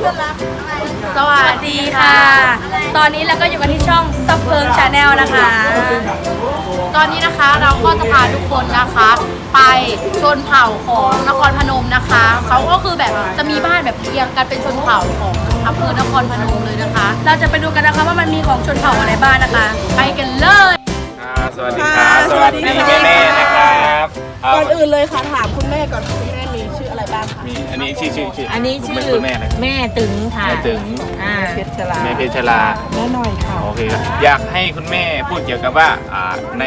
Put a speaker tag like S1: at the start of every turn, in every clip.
S1: สวัสดีค่ะ ตอนนี้เราก็อยู่กันที่ช่องซับเพิงชาแนลนะคะ ตอนนี้นะคะเราก็จะพาทุกคนนะคะ ไปชนเผ่าของนครพนมนะคะ เขาก็คือแบบจะมีบ้านแบบเรียงกันเป็นชนเผ่าของอำเภอนครพนมเลยนะคะ เราจะไปดูกันนะคะว่ามันมีของชนเผ่าอะไรบ้างนะคะ ไปกันเลย
S2: สวัสดีครับสวัสดีแม่ๆนะครับ
S3: ก่อนอื่นเลยค่ะถามคุณแม่ก่อนคุณแม่มีชื่ออะไรบ้างคะ
S2: มีอันนี้ชื่อ
S4: อันนี้ชื่อ
S2: คุณแม่นะ
S4: แม่ตึงค่ะ
S2: แม่ตึง
S3: เพชรชลา
S2: แม่เพชรชลา
S3: แม่หน่อยค่ะ
S2: โอเคครับอยากให้คุณแม่พูดเกี่ยวกับว่าใน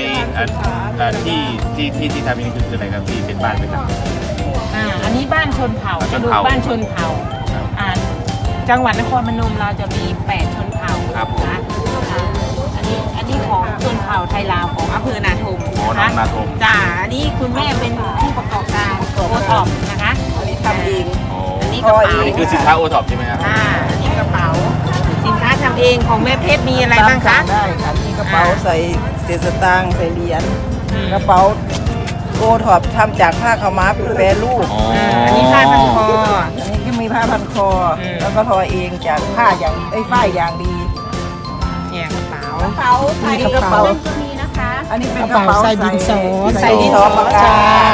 S2: ที่ทำนี่คืออะไรครับที่เป็นบ้านเป็นหลัง
S4: อันนี้บ้านชนเผ่า
S2: ชนเผ่า
S4: บ้านชนเผ่าจังหวัดนครพนมเราจะมี8ชนเผ่า
S2: ครับผม
S4: นะอันนี้ของชนเผ่าไทยลาวของอำเภอนาทม
S2: อ๋อน้องนาทม
S4: จ้าอันนี้คุณแม่เป็นผู้ประกอบการโอท็อปนะคะ
S3: อันนี้ทำเอง
S2: โอ้
S4: อันนี้กระเป๋า
S2: อันนี้คือสินค้าโอท็อปใช่ไหมครับ
S4: อันนี้กระเป๋าสินค้าทำเองของแม่เพชรมีอะไรบ้างคะ
S3: ได้ค่ะมีกระเป๋าใส่เศษสตางค์ใส่เหรียญกระเป๋าโอท็อปทำจากผ้าขาวม้าเป็นแปรรูป
S4: อันนี้ผ้าพันคอ
S3: อันนี้ก็มีผ้าพันคอแล้วก็ทอเองจากผ้าอย่างฝ้ายอย่างดี
S4: เนี่ยกระเป๋า
S3: ใส่กระเป๋า
S1: มีนะคะ
S3: อันนี้เป็นกระเป๋าใส่ดินสอ
S4: ใส่ดินสอ
S3: ปากกา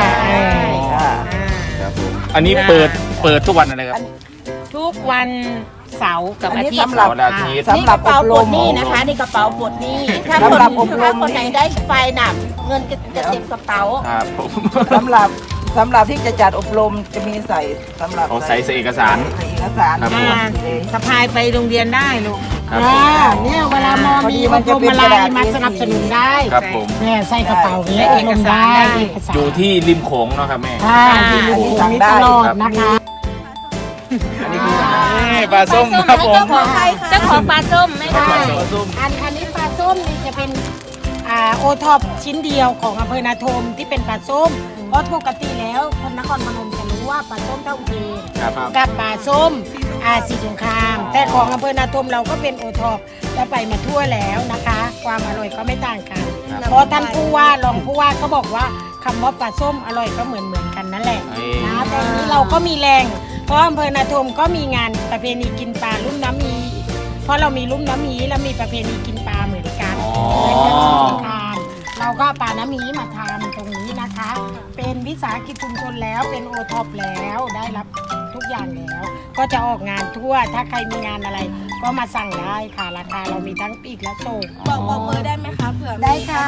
S2: ครับผมอันนี้เปิดทุกวันอะไรครับ
S4: ทุกวันเสาร์กับอาทิตย์
S3: อันนี้สำหรับ
S2: วันอาทิตย์
S3: สำหรับอบรม
S5: นี่นะคะนี่กระเป๋าปลดหนี้ถ้า
S3: สำหรับอบรม
S5: คนไหนได้ไฟหนักเงินจะเต็มกระเป๋า
S2: ครับผม
S3: สำหรับที่จะจัดอบรมจะมีใส่สำหรับ
S2: เอาใส่เอกสาร
S3: ใส่เอกสาร
S2: ครับผม
S4: สะพายไปโรงเรียนได้ลูก
S2: ครับผม
S4: เนี่ยเวลามอมีอบรมอะไรมาสนับสนุนได้
S2: ครับผม
S4: เนี่ยใส่กระเป๋าและเอกสารได้
S2: อยู่ที่ริมโขงเนาะครับแม่
S4: ค่ะที่ลูกมีตลอดนะคะ
S2: อันนี้คือปลาส้มครับผม
S5: เจ้าของปลาส้มไม่ได้
S2: ปลาส้ม
S4: อันนี้ปลาส้มนี่จะเป็นโอท็อปชิ้นเดียวของอำเภอนาทมที่เป็นปลาส้มเพราะปกติแล้วคนนครพนมจะรู้ว่าปลาส้มเท่าอุเทน
S2: ครับ
S4: กับปลาส้มสีสงคราม แต่ของอำเภอนาทมเราก็เป็นโอท็อปแล้วไปมาทั่วแล้วนะคะ ความอร่อยก็ไม่ต่างกัน เพราะท่านผู้ว่ารองผู้ว่าก็บอกว่าคำว่าปลาส้มอร่อยก็เหมือนกันนั่นแหละนะแต่อันนี้เราก็มีแรงเพราะอำเภอนาทมก็มีงานประเพณีกินปลาลุ่มน้ำมีเพราะเรามีลุ่มน้ำมีและมีประเพณีกินปลาเหมือนกันในการสงกรานต์เราก็ปลาน้ำมีมาทำตรงนี้นะคะ เป็นวิสาหกิจชุมชนแล้วเป็นโอท็อปแล้วได้รับทุกอย่างแล้ว ก็จะออกงานทั่วถ้าใครมีงานอะไร ก็มาสั่งได้ค่ะราคาเรามีทั้งปีกและส่ง
S5: บอกเบอร์ได้ไหมคะเผื่อ
S4: ได้ค่ะ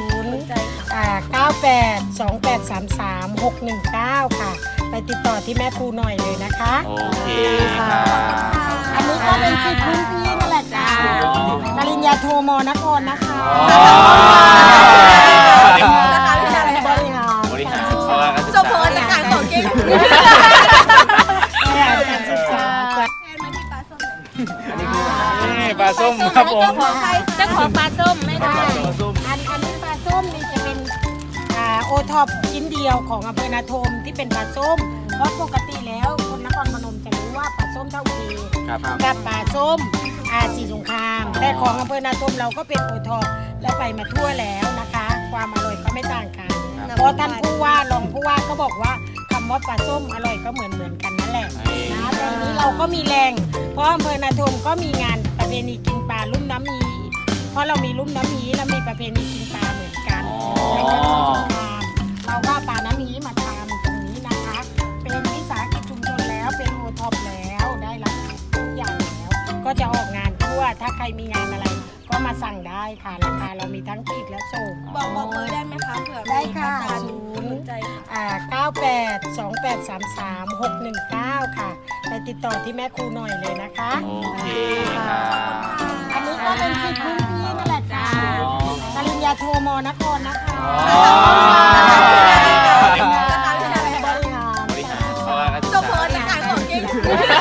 S4: 98283833 ค่ะ ไปติดต่อที่แม่ครูหน่อยเลยนะคะ
S2: โอเคครับ
S4: อันนี้ก็เป็นสิทธิ์พื้นที่นั่นแหละจ้าปริญญาโทมนครนะคะบริหาร
S2: บริหาร
S5: สมพรจะขายของเก่ง
S4: การศึกษาจ้ะ
S2: ปลาส้มครับผม
S5: เจ้าของปลาส้มไม่ได้
S4: อันนี้ปลาส้มนี่จะเป็นโอท็อปชิ้นเดียวของอำเภอนาทมที่เป็นปลาส้ม เพราะปกติแล้วคนนครพนมจะรู้ว่าปลาส้มเท่าอุเทน
S2: ครับ
S4: กับปลาส้มสีสงคราม แต่ของอำเภอนาทมเราก็เป็นโอท็อปและไปมาทั่วแล้วนะคะ ความอร่อยก็ไม่ต่างกัน เพราะท่านผู้ว่ารองผู้ว่าก็บอกว่าคำว่าปลาส้มอร่อยก็เหมือนกันนั่นแหละนะแต่อันนี้เราก็มีแรง เพราะอำเภอนาทมก็มีงานประเพณีกินปลาลุ่มน้ำมี เพราะเรามีลุ่มน้ำมีและมีประเพณีกินปลาเหมือนกันในการสงครามเราก็ปลาน้ำมีมาทำตรงนี้นะคะ เป็นวิสาหกิจชุมชนแล้วเป็นโอท็อปแล้วได้รับทุกอย่างแล้ว ก็จะออกงานทั่วถ้าใครมีงานอะไร ก็มาสั่งได้ค่ะราคาเรามีทั้งปีกและส่ง
S5: บอกเบอร์ได้ไหมคะเผื่อ
S4: ได้ค่ะ
S5: ใจ
S4: 9828383369 ค่ะ ไปติดต่อที่แม่ครูหน่อยเลยนะคะ
S2: โอเคครับ
S4: อันนี้ก็เป็นสิทธิ์พื้นที่นั่นแหละจ้าปริญญาโทมนครนะคะบริหาร
S2: บริหาร
S5: สมพรจะขายของเก่ง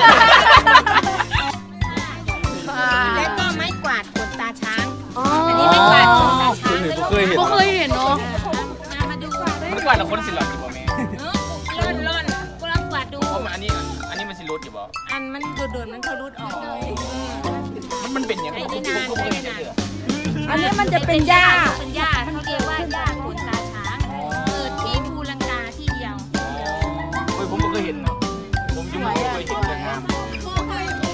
S4: แล้วก็ไม้กวาดขนตาช้าง
S5: อันนี้ไม่กวาดขนตาช้าง
S2: เคยเห็น
S1: ก็เคยเห็นเนาะ
S5: มาดู
S2: มันกว่าเราคนสิหลอดอยู่บ่แม่
S5: ร่อนก็รับกวาดดู
S2: เพราะมันอันนี้มันสิรถอยู่บ่
S5: อันมันโดนมันเขารุดออก
S2: มันเป็นอย่างไรผมก็ไม่เคยเจอ
S5: อันนี้มันจะเป็นหญ้าเป็นหญ้าเขาเรียกว่าหญ้าขนตาช้างเกิดที่ภูลังกาที่เดียว
S2: เฮ้ยผมก็เคยเห็นเนาะผมยังไม่เคยเห็นเลยครับ
S5: เคย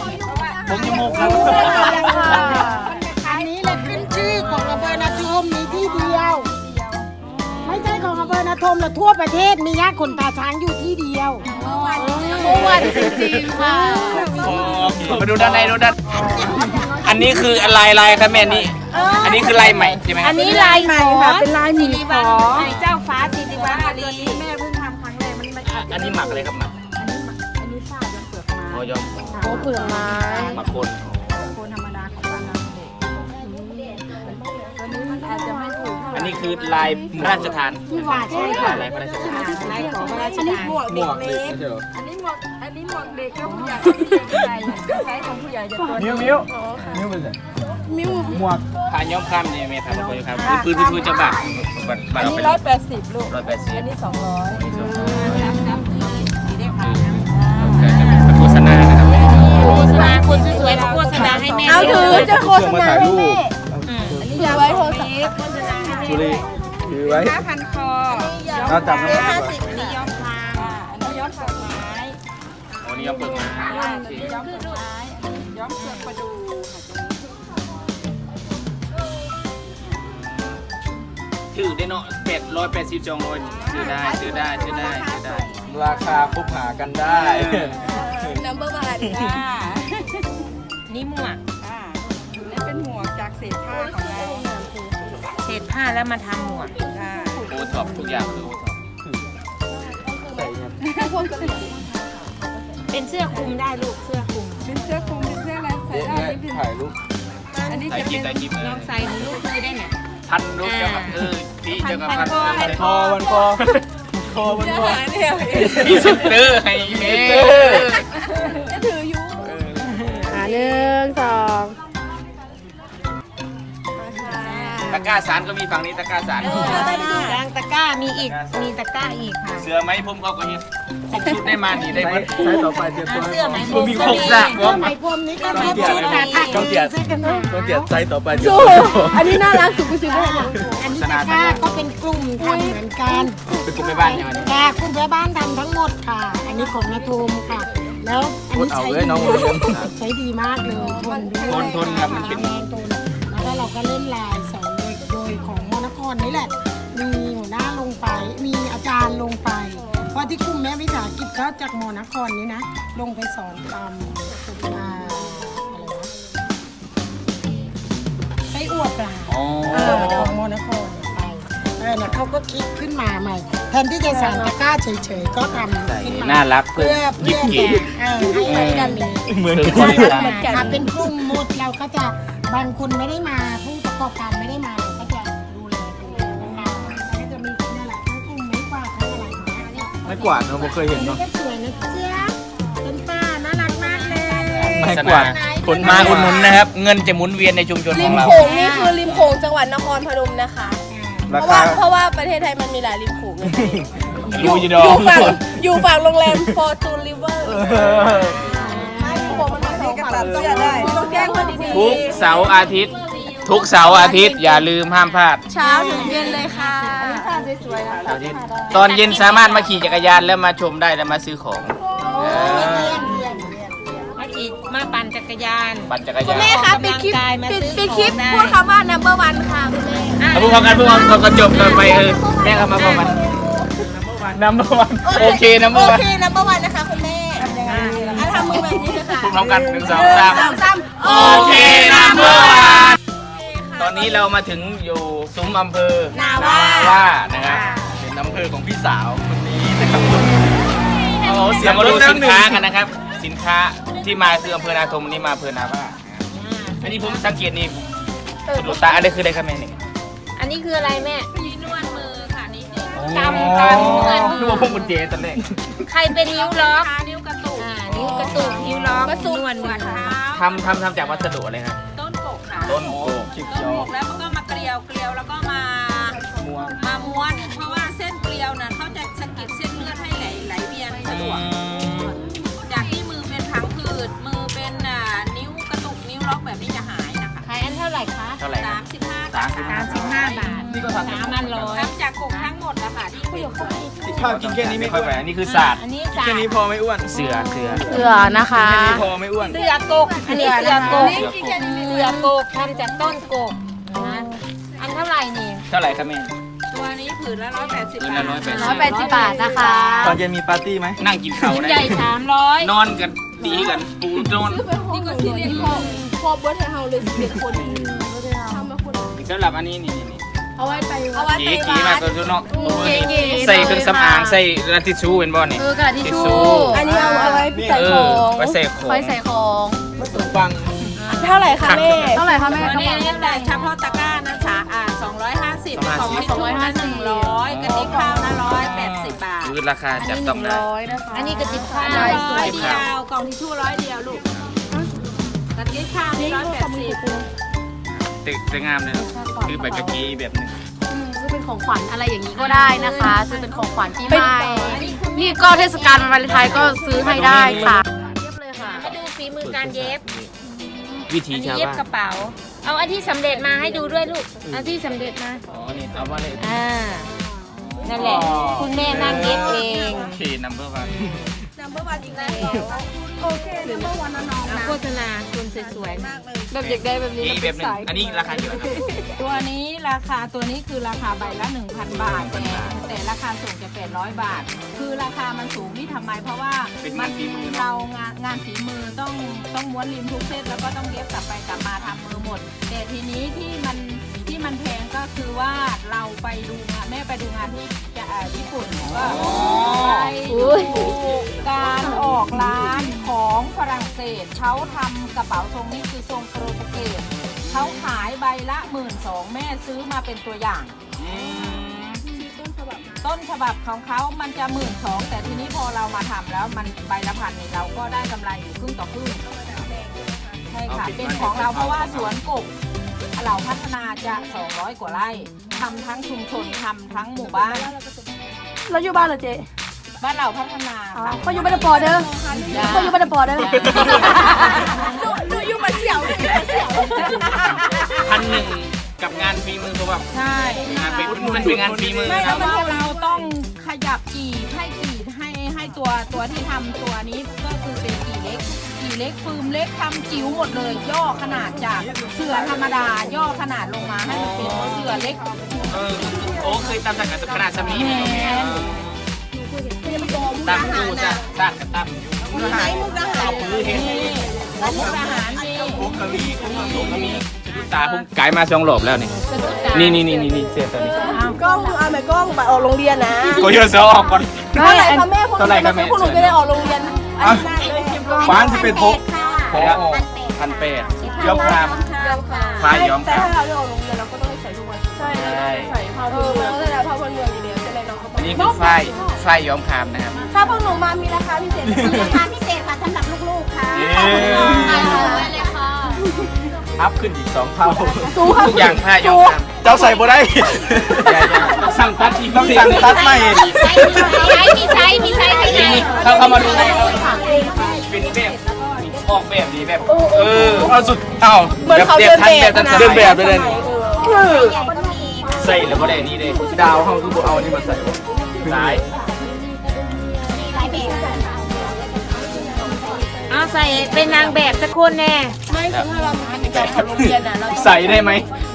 S2: ผมยังโมกครับ
S4: อันนี้แหละขึ้นชื่อของอำเภอนาทมมีที่เดียว ไม่ใช่ของอำเภอนาทมแต่ทั่วประเทศมีย่าขนตาช้างอยู่ที่เดียว
S1: เมื่อวันจริงๆค่ะ
S2: มาดูด้านในดูด้านอันนี้คือลายครับแม่นี่อันนี้คือลายใหม่ใช่ไหม
S5: อันนี้ลาย
S3: ใหม่ค่ะเป็นลายหมีขอ
S5: เจ้าฟ้าสิริวัณวรี
S3: แม่เพิ่งทำครั้งแรกมันไม่อาจจะ
S2: อันนี้หมักอะไรครับหมัก
S3: อันนี้ฝ้าจนเปลือกไม้
S2: อ๋อยอม
S1: โอ้เปลือกไม้
S2: หมักคน
S3: โคนธรรมดาของบ้านเราเนี่ยตัวนี้มันอาจจะไม่ถูกเท่าไหร่
S2: อันนี้คือลายพระราชทาน
S4: ว่าใช่ค่ะ
S2: ลายพระราชทาน
S4: ลายของพระราช
S3: อันนี้
S4: ทาน
S3: หมวกเด็กเล็กอันนี้หมวกเด็กก็ผู้ใหญ่ผู้ใหญ่ใช้ของผู้ใหญ่จะตัวมิ้วเป็นไงมิ้วหมวก
S2: ผ่านย้อมข้ามเนี่ยเมทำคนครับพื้นจะบักบัก
S3: อัน
S2: เอา
S3: นี้
S2: ไป
S3: 180ลูก
S2: 180
S3: อันนี้200
S2: โฆษณานะครับ
S5: โฆษณาคนสวยๆโฆษณาให้แม่
S1: เอาถือจะโฆษณาให้แม่
S3: อันนี้
S1: ถือย
S3: าว
S1: ไว้โทรศัพท์
S6: สุรีถือไว้
S3: พันคอ
S6: เราจับน้ำหนัก
S3: 50อันนี้ย้อมคางอันนี้ย้อมเปลือกไม้
S2: วันนี้ย้อมเปลือกไม้
S3: ย้อมเปลือกไม้ย้อมเปลือกประดู
S2: ถือได้เนาะ180จองเลยซื้อได้
S6: ราคาคบหากันได้
S1: number one
S5: นี่หมวก
S3: นี่เป็นหมวกจากเศษผ้าของเรา
S5: เศษผ้าแล้วมาทำหมวก
S2: โอท็อปทุกอย่างคือโอท็อป
S6: ใส่เงิน
S5: เป็นเสื้อคลุมได้ลูกเสื้อคลุม
S3: เป็นเสื้อคลุมเป็นเสื้ออะไรใส่
S6: เอ๊ะ
S3: ได้
S6: แม่ถ่ายรูป
S3: อันนี้
S2: ใส่
S3: จะ
S2: กิ๊
S3: เป็
S2: บ
S3: น
S2: ใส่กิ๊บ
S5: ลองใส่หนูลูกมือได้เนี่ย
S2: พันรูปเจ้ากับพี่เจ้ากับพัน
S6: วันคอวันคอคอวันคอ
S2: พี่สุดเตอร์ให้แม่
S1: 1 2
S2: ตะกร้าสารก็มีฝั่งนี้ตะกร้าสาร
S5: กลางตะกร้ามีอีกมีตะกร้าอีกค่ะ
S2: เสือไหมผมเขาก็เห็นครบชุดได้มานี่ได้หมด
S6: ใช้ต่อไปเตรียมตัว
S5: เสื้อไหม
S2: ผมมีครบสระพร้อม
S4: ไหมพรมนี้ก็ครบชุดค่ะ
S6: ต้องเกียรติ
S4: ใส่กันมา
S6: ต้องเกียรติใช้ต่อไปเตรียมตัว
S1: อันนี้น่ารักสุดกูซื้อได้
S4: อันนี้ตะกร้าก็เป็นกลุ่มทำเหมือนกัน
S2: เป็นกลุ่มแม่บ้านอย่างนี้
S4: ค่ะกลุ่มแม่บ้านทำทั้งหมดค่ะ อันนี้ของนาทูมค่ะ แล้วอันนี้
S6: เอา
S4: ใช้
S6: เลย
S4: ดี
S6: น้อง
S4: ใช้ดีมากเลยทนด้วย
S2: ทนครับมันเป็น
S4: แรงทนแล้วก็เราก็เล่นลายสอนโดยของมนครนี่แหละ มีหัวหน้าลงไป มีอาจารย์ลงไป เพราะที่กลุ่มแม่วิสาหกิจก็จากมนครนี้นะ ลงไปสอนตามอะไรนะไส้อั่วปลา
S2: อ๋อ
S4: ของมนครไปเนี่ยเขาก็คิดขึ้นมาใหม่ แทนที่จะสั่งตะกร้าเฉยๆ ก็ทำขึ้นมา
S2: น่ารักเพื่
S4: เพื่
S2: อ
S4: อ
S2: หยิบ
S4: เพื่อ
S2: กี
S4: ให้กันมี
S6: เหมือน
S2: คือ
S6: กัน
S2: คนละ
S4: ถ้าเป็นกลุ่มหมดเราก็จะบางคนไม่ได้มาผู้ประกอบการไม่ได้มาเราก็จะดูแลดูนะคะแล้วก็จะมีนี่แหละทั้งกลุ่มไม่กวาดทั้งอะไรอย่างเงี้ย
S6: ไม่กวาดเราเคยเห็นเนาะ
S4: ก็สวยนะเจ๊ยบเป็นป้าน่ารักมากเลย
S6: ไม่กวาดคน
S2: มาอุดหนุนนะครับ เงินจะหมุนเวียนในชุมชนข
S1: ริ
S2: อ
S1: ม
S2: งเรา
S1: โขงนี่คือริมโขงจังหวัดนครพนมนะคะ
S6: รา
S1: เพราะ
S6: คา
S1: ว่าประเทศไทยมันมีหลายริมโขงเลย
S2: รู้จีดอ
S1: อยู่ฝั่งโรงแรม Fortune River ไม่ผมมันมี2ฝั่งต้องแจ้งคนดี
S2: ทุกเสาร์อาทิตย์ ทุกเสาร์อาทิตย์อย่าลืมห้ามพลาด
S1: เช้าถึงเย็นเลยค่ะ
S2: ตอนเย็นสามารถมาขี่จักรยานแล้วมาชมได้แล้วมาซื้อของ
S5: มาขี่มาปั่นจักรยาน
S2: ปั่นจักรยาน
S1: แม่คะปิดคลิป
S5: ออกกำลังกายมาซื้อ
S1: ปิดคลิป
S5: ของได้
S1: พูดคำว่า number one ค่ะคุณแม่
S2: เอาพูดพร้อมกันพูดพร้อมกันก็จบกันไปแม่ก็มาพร้อมกันนัมเบอร์วันโอเคนัมเบอ
S1: โอ
S2: ร์วัน
S1: เค number one นะคะคุณแม่ทำมือแบบนี้เลยค่ะ
S2: พูดพร้อมกัน1 2 3
S1: โอ
S2: โอ
S1: เค
S2: เคนัมเบอร์วันตอนนี้เรามาถึงอยู่ซุ้มอำเภอ
S1: นาว่า
S2: นะครับ
S6: เป็นอำเภอของพี่สาวคนนี้นะครับ
S2: เรามาดูสินค้ากันนะครับ สินค้าที่มาคืออำเภอนาทมวันนี้มาอำเภอนาว่าอันนี้ผมสังเกตนี่สะดุดตาอะไรคืออะไรครับแม่นี่
S5: อันนี้คืออะไรแม่
S1: นวดมือค่ะนี่
S5: กำนวด
S2: นึกว่าพวกกุญแจตอนแรก
S5: ใครเป็นนิ้วล็อก
S1: นิ้วกระตุก
S5: นิ้วกระตุกนิ้วล็อก
S1: กระตุก
S5: นวดมือ
S2: ทำจากวัสดุอะไรครับ
S7: ต้นกกค่ะ
S2: ต้นโก
S6: ชิก
S7: ต้น
S6: ยอก
S7: กแล้วมันก็มาเกลียวแล้วก็มาม้วน เพราะว่าเส้นเกลียวน่ะเขาจะสะกิดเส้นเลือดให้ไหลเวียนสะดวก จากที่มือเป็นพังผืดมือเป็นนิ้วกระตุกนิ้วล็อกแบบนี้จะหายนะคะ
S5: ขายอันเท่าไหร่คะ
S2: เท่าไหร่ครับ
S7: 35
S2: 35
S5: 35 บาท
S2: นี่ก็ทำ
S5: 3,100
S7: ทำจากกกทั้งหมดนะคะที่
S6: ข้าวกินแค่นี้ไม่
S2: ค่
S6: อ้
S2: อย
S6: วน
S2: ไปอันนี้คือศาสตร์
S7: อันนี้จ้ะ
S6: แค่นี้พอไม่อ้วน
S2: เสือ
S1: เสือนะคะ
S6: แค่นี้พอไม่อ้วน
S7: เสือกกอันนี้เสือกกเสือกกทำจากต้นกกนะอันเท่าไหร่นี่
S2: เท่าไหร่ครับแม่
S7: ตัวนี้ผืนละ180
S2: ผืน
S7: บา
S2: ละ
S7: ท
S1: 180 บาทนะคะ
S6: ตอนเย็นมีปาร์ตี้ไหม
S2: นั่งกินข้าว
S7: ชิ้น
S2: ได้
S7: ใหญ่300
S2: นอนกันดีกันปูนอน
S7: นี่ก็ที่เรียนพ่อเบิร์ดให้เฮาเลย11คน
S2: สำหรับอันนี้นี่
S1: เอาไว้ไป
S2: เก๋ๆมากตัวเนาะ
S1: เก๋ๆ
S2: ใส่เครื่องสำอางใส่กระติชูเป็นบ่นี่
S1: กระดาษทิชชู่
S3: อันนี้เอาไว้ใส่ของ
S2: ไว้ใส่ของ
S1: ไว้ใส่ของ
S6: ฟัง
S3: เท่าไหร่คะแม่
S1: เท่าไหร่คะแม่
S7: อันนี้แต่เฉพาะตะกร้านะจ๊ะ250ของทิชชู่นะ100กระติกข้าวนะ180 บาท
S2: คือราคาจับต้องได้
S1: 100นะคะ
S7: อันนี้กระติกข้าว100เดียวกล่องทิชชู่100เดียวลูกกระติกข้าวนี่180
S2: ตึกงามเลยคือแบบกะกีแบบนึง
S1: ซื้อเป็นของขวัญอะไรอย่างนี้ก็ได้นะคะซื้อเป็นของขวัญที่ไม่นี่ก็เทศกาลวันวาเลนไทน์ก็ซื้อให้ได้ค่ะเทียบเลยค่ะ
S5: ให้ดูฝีมือการเย็บ
S2: วิธีชาว
S5: เย็บ
S2: บ้าน
S5: กระเป๋า เอาอันที่สำเร็จมาให้ดูด้วยลูกอันที่สำเร็จมา
S2: อ๋อนี่เอาว่าเลย
S5: นั่นแหละ คุณแม่นั่งเย็บเอง
S2: โอเคนัมเบอร์วัน
S5: เอาโฆษณาคุณสวยๆ
S1: แบบอยากได้แบบนี้
S2: อีกแบบนึงอันนี้ราคาเท่าไหร่ครับ
S7: ตัวนี้ราคาตัวนี้คือราคาใบละ 1,000 บาทแต่ราคาส่งจะ800 บาท คือราคามันสูงนี่ทำไมเพราะว่า
S2: เป็นงานฝีมือเนอะ
S7: เรางานฝีมือต้องม้วนริมทุกเส้นแล้วก็ต้องเย็บกลับไปกลับมาทำมือหมด แต่ทีนี้ที่มันแพงก็คือว่าเราไปดูงานแม่ไปดูงานที่ญี่ปุ่นก็ไปดูการออกร้านของฝรั่งเศสเขาทำกระเป๋าทรงนี้คือทรงโปรตุเกสเขาขายใบละ12,000แม่ซื้อมาเป็นตัวอย่าง ต้นฉบับของเขามันจะ12,000แต่ทีนี้พอเรามาทำแล้วมันใบละพันเนี่ยเราก็ได้กำไรอยู่ครึ่งต่อครึ่งใช่ค่ะเป็นของเราเพราะว่าสวนกบเราพัฒนาจะ200 กว่าไร่ทำทั้งชุมชนทำทั้งหมู่บ้าน
S1: เราอยู่บ้านเหรอเจ๊
S7: บ้านเราพัฒนาค่ะ
S1: เขาอยู่บ้านปอเด้อเขาอยู่บ้านปอเด้อ
S2: 1,000กับงานฝีมือเขาแบบ
S7: ใช่
S2: งานเป็นมันเป็นงานฝีมือ
S7: ไม่
S2: ครั
S7: แล้
S2: บ
S7: วเราต้องขยับกี่ให้ตัวที่ทำตัวนี้ก็คือเป็นกี่เล็กฟืมเล็กทำจิ๋วหมดเลย ย่อขนาดจากเสือธรรมดาย่อขนาดลงมาให้มันเป็นเสือเล็ก
S2: โอ้เคยตามจากกับขนาดสมีตามดูจ้ะสร้างกันตามเอาปืนเห็น
S7: มุกอาหารมี
S2: ผมก็มีตาผมกายมา2 รอบแล้วนี่เสียตัวนี้
S3: กล้องเอาไหมกล้องไปออกโรงเรียนนะ
S2: ก็เยอะเสียออกก่อน
S3: เท่าไหร่คะแม่พวก
S2: เท่าไหร่ครับแม่
S3: พวกหนูจะได้ออกโรงเรียนอันนี้เลย
S6: ฟ้านที่เป็นพก
S2: พอ1,800ย้อมครามฟ้าย้อมค
S3: แต่
S2: ราม
S3: ถ้าเราได้ออกโรงเรียนเราก็ต้องใส่ทุกวันใช่ใส่ผ้าพื้นเมืองใส่ผ้าพื้นเมืองดีเดียวจะได้น้องเขา
S2: อันนี้คือฝ้ายย้อมครามนะครับ
S3: ถ้าพวกหนูมามีราคาพิเศษ
S5: ราคาพิเศษค่ะสำหรับลูกๆค่ะ
S1: เลยค่ะ
S2: อัพขึ้นอีก2 เท่า
S3: สูง
S2: ทุกอย่างผ้าย้อมคราม
S6: เจ้าใส่บ่ได้
S2: ต้องสั่งตัดอีก
S6: ต้องสั่งตัดใหม่
S5: มีไซส์ให้ไหน
S2: นี่เข้ามาดูเป็นแบบออกแบบดีแบบ
S6: เอาสุดเอ้า
S3: เหมือนเขาเดินแบบ
S6: เดินแบบเลย
S3: คือ
S2: ใส่แล้วก็ได้นี่เลย
S6: ดาวเขาคือบ่เอานี่มาใส่
S2: สาย
S5: เอาใส่เป็นนางแบบสักคนแน่
S3: ไม่คือถ้าเราเป็นแบบของโรงเรียนอ่ะเรา
S2: ใส่ได้ไหม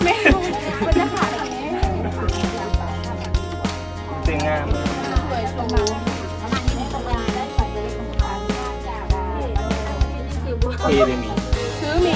S2: สวยงามเท่เลยมี
S3: ซื้อหมี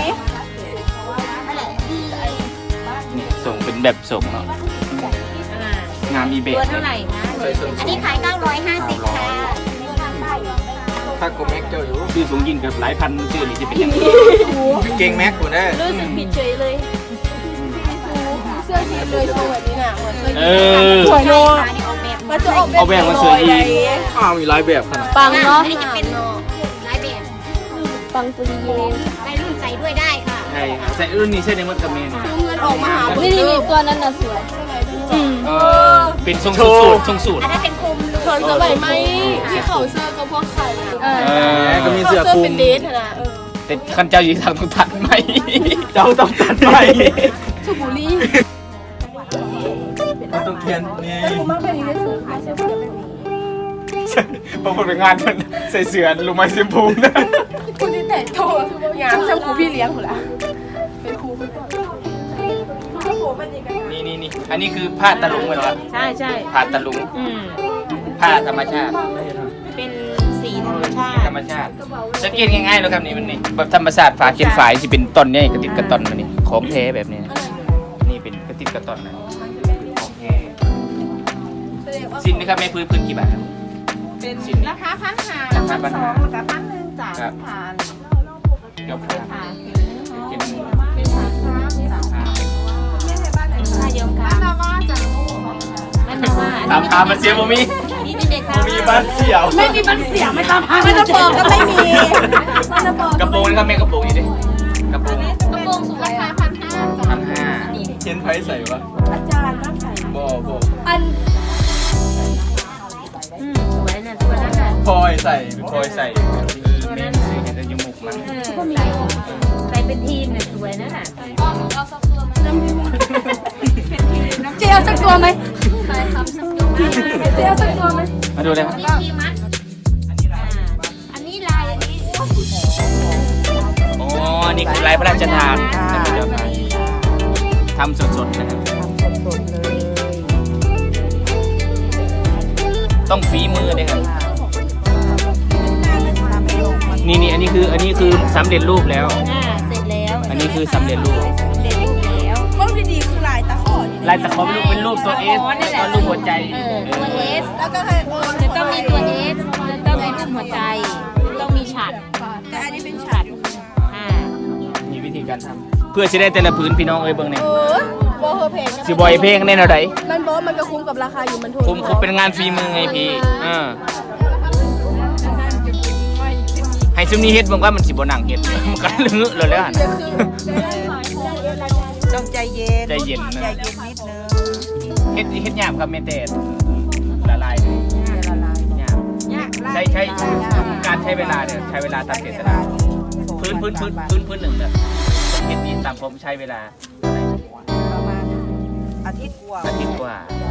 S2: นี่ส่งเป็นแบบส่งเนาะงามอีเบ
S5: ตัวเท่าไหร่นะ อันนี้ขาย950ค่ะ
S6: ถ้ากูแม็กเจ้าอยู่
S2: ชื่อสูงยินกับหลายพันชื่อนี่จะเป็นยังไง
S6: เก่งแม็กกูแน่
S3: รู้สึกผิดเฉยเลยเสื้อยีนเลยทรงแบบนี้น่ะเหมือนเสื้อ
S2: เอ
S3: ยีน
S2: อ
S3: สวยเนาะ
S5: อันนี้ออกแบบ
S3: มันจะออก
S2: เอาแบบมาสวยอีก
S6: อ้าวมีหลายแบบขนาด
S3: ปังเนาะ
S5: อันนี้จะเป็นลายแบบ
S3: ปังตุลีเย
S5: ในรุ่นใส่ด้วยได้ค่ะ
S2: ใช่ใส่รุ่นนี้ใช่ในมดกับเมน
S3: ดูเงินออกมาหานี่ตัวนั้นน่ะสวย
S2: เป็นทรงสูตรทรงสูตร
S5: อันนั้นเป็นคุม
S3: ชนสมัยไหมที่เขาเสื้อก็พวกไข่
S6: ก็มีเสื้อคลุม
S3: เป็นเดทนะ
S2: แต่ขันเจ้าอยู่ทางต้องตัดไหม
S6: เจ้าต้องตัดไป
S3: ชูบุรี
S6: มันต้องต้องเทียนนี่
S2: บางคนไปงานมันใส่เสื้อลงมาเสียมพูนะ
S1: คุณที่แต่งตัวงามช่างครูพี่เลี้ยงหมดละเป็นครูคุณก่อน
S2: นี่อันนี้คือผ้าตะลุงไหมเหรอ
S5: ใช่ใช่
S2: ผ้าตะลุง ผ้าธรรมชาติ
S5: เป็นสีธรรมชา
S2: ธร
S5: ติ
S2: รมชาติสังเกตง่ายๆเลยครับนี่มันนี่แบบธรรมชาติฝาเขียนฝายที่เป็นต้นเนี่ยกระติดกระตอนมันนี่ของแท้แบบนี้นี่เป็นกระติดกระตอนนะของแท้สินนะครับแม่พื้นกี่บาทครับ
S7: เป็น
S2: สิน
S7: ราคา1,500
S2: ราคา1,500
S7: ราคา1,000จ้ะ
S2: ครับ
S7: ผ่าน
S2: เดี๋ยว
S7: ผ่าน
S2: กิน
S7: เป็นผ่านครับจ้ะ
S5: ถ้ายอมกา
S7: บ้านนาว่าจ้ะ
S5: ไม่มาว่า
S2: ถามพามาเสียบ่มี
S5: นี่เด็กๆค่ะ
S6: มีบ้านเสี่ยว
S1: ไม่มีบันเสียไม่ต้องไม่ต้องบอกก็ไม่มีไม่ต้องบอก
S2: กระโปรงนะครับแม่กระโปรงนี่ดิกระโปรง
S5: กระโปรงสูง
S7: รา
S5: รา
S7: คา
S5: คา
S7: 1,500จ้ะ
S2: 1,500
S6: เทียนไผ่ใส่ปะ
S1: อาจารย์บ้านไหน
S6: บ่บ่
S1: อัน
S5: สวยน่ะตัวนั้นน่ะ
S6: พลอยใส่
S2: คอยใส่แม่ซื้อเห็นแต่จมูกมัน
S5: ใส่เป็นทีมน่ะสวยนั่นน่ะ
S1: เจียวสักตัวไหมเจียวสักตัวไหม
S2: มาดูเลยครับ
S5: นี่ทีมัดอันนี้ลายอันนี้
S2: อ๋อนี่คือลายพระราชทานนะครับทำสดๆนะครับ
S3: สดๆเลย
S2: ต้องฝีมือเลยครับ
S3: ทำให้ลงมัน
S2: นี่อันนี้คือสำเร็จรูปแล้ว
S5: เสร็จแล้ว
S2: อันนี้คือสำเร็จรูป
S5: เสร็จรูปแล้ว
S1: ต้นดีๆคือลายตะขอ
S2: ลายตะขอเป็นรูปตัวเอสตอนรูปหัวใจ
S5: ตัวเอส
S1: แล้วก็ให้
S5: จะต้องมีตัวเอสจะต้องมีรูปหัวใจต้องมีฉัด
S1: แต่อันนี้เป็นฉัด
S2: มีวิธีการทำเพื่อจะได้แต่ละผืนพี่น้องเอ้ยเบิ่งเนี่ย
S1: โบเฮอร์เพจ
S2: สิบอยเพลงแน่นอนได
S1: มันบอกมันก็คุ้มกับราคาอยู่มันถูก
S2: ผมเป็นงานฝีมือไงพี่ให้ซุมนี้เฮ็ดบอกว่ามันสิบ่หนังเฮ็ดมันก็ลึงเลยแล้วหั่น
S3: ต้องใจเย็น
S2: ใจเย็นนะ
S3: ใจเย็นนิดนึง
S2: เฮ็ดยามครับแม่แต่ละลายเลย
S3: ละลาย
S2: ยามใช้การใช้เวลาเนี่ยใช้เวลาตามเจตนาพื้นหนึ่งเนี่ยเฮ็ดนี้ตามผมใช้เวลา
S3: ประมาณอาทิตย์กว่า
S2: อาทิตย์กว่า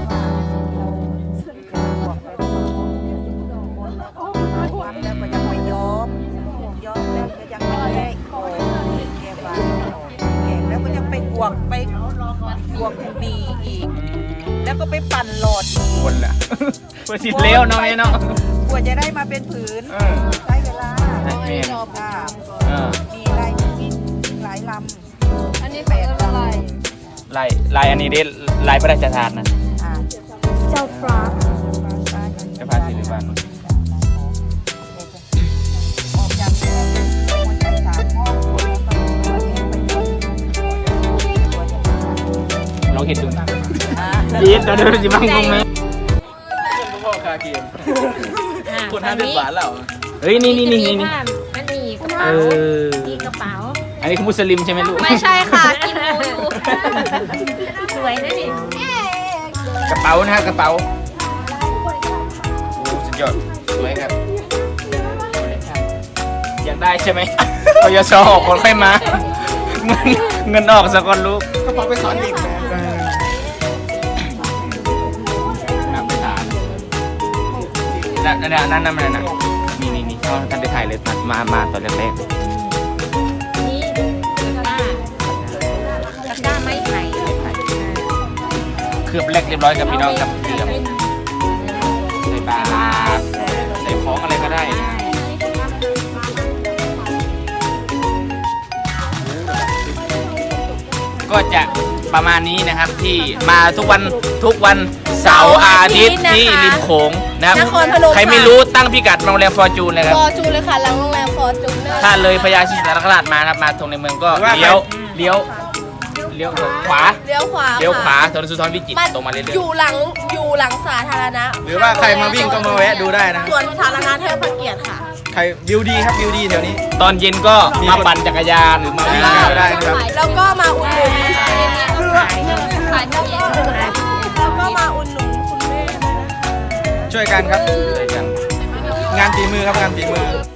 S3: แล้วก็ยังไม่ย้อมแล้วก็ยังไม่แก้โอ้แก้บานแก้แล้วก็ยังไปกวกมีอีก แล้วก็ไปปั่นหลอดอีก
S2: วนละเพื่อสิเลี้ยวเนาะแม่เนาะ
S3: กว่าจะได้มาเป็นผืนใช้เวลา
S2: ใช่แม่
S3: รอบค่ะ มีหลายลำ
S1: อันนี้เป็นอะไร
S2: ลายอันนี้ได้ลายพระราชทานนะ
S1: เจ้าฟ้า
S2: จะพาสิริวัล
S3: ออกจากเรือเป็นหัวใจสามห้องแล้วก็ตัวเองไปหมด
S2: ลองเห็นดูนะดีตอนนี้จิบังคงไหม
S6: พ่อคาเกมคน50 บาทแล้ว
S2: เฮ้ยนี่
S5: มันมีกระเป๋ามีกระเป๋า
S2: อันนี้คือมุสลิมใช่ไหมลูก
S1: ไม่ใช่ค่ะกินหมูอยู่
S5: สวยนะนี่
S2: กระเป๋านะฮะกระเป๋าโอ้สุดยอดสวยครับอยากได้ใช่ไหมพยศออกคนค่อยมาเงินออกสักคนลูก
S6: กระเป๋าไปสอนเด็กนะ
S2: นำไปทานนั่นมันนะนี่เขาท่านได้ถ่ายเลยมาตอนแรก
S5: นี่ตะกร้าไม้ไผ่
S2: เคลือบแรกเรียบร้อยกับพี่น้องกับเคลือบใส่บาตรใส่ของอะไรก็ได้นะก็จะประมาณนี้นะครับที่มาทุกวันเสาร์อาทิตย์ที่ริมโขงนะครับ
S1: นครพนม
S2: ใครไม่รู้ตั้งพิกัดโรงแรมฟอร์จูนเลยครับ
S1: ฟอร์จูนเลยค่ะหลังโรงแรมฟอร์จูน
S2: ถ้าเลยพญาศรีสัตนคราชมานะครับมาตรงในเมืองก็เลี้ยวขวา
S1: เลี้ยวขวา
S2: เลี้ยวขวาถนนสุนทรวิจิตรตรงมาเรื่อย
S1: อยู่หลังสาธารณะ
S6: หรือว่าใครมาวิ่งก็มาแวะดูได้นะ
S1: ส่วนสาธารณะเทิดพระเกียรติค่ะ
S6: ใครวิวดีครับวิวดีแถวนี้
S2: ๆตอนเย็นก็มาปั่นจักรยานหรือมา
S6: วิ่
S2: วิ่
S6: ง
S2: ง
S6: ก็ได้นะครับ
S1: แล้วก็มาอุ่นหนุน
S5: ขายที่
S1: แล้วก็มาอุ่นหนุนคุณแม่ด้วยนะคะ
S6: ช่วยกันครับ
S2: ด้วยกัน
S6: งานฝีมือครับงานฝีมือ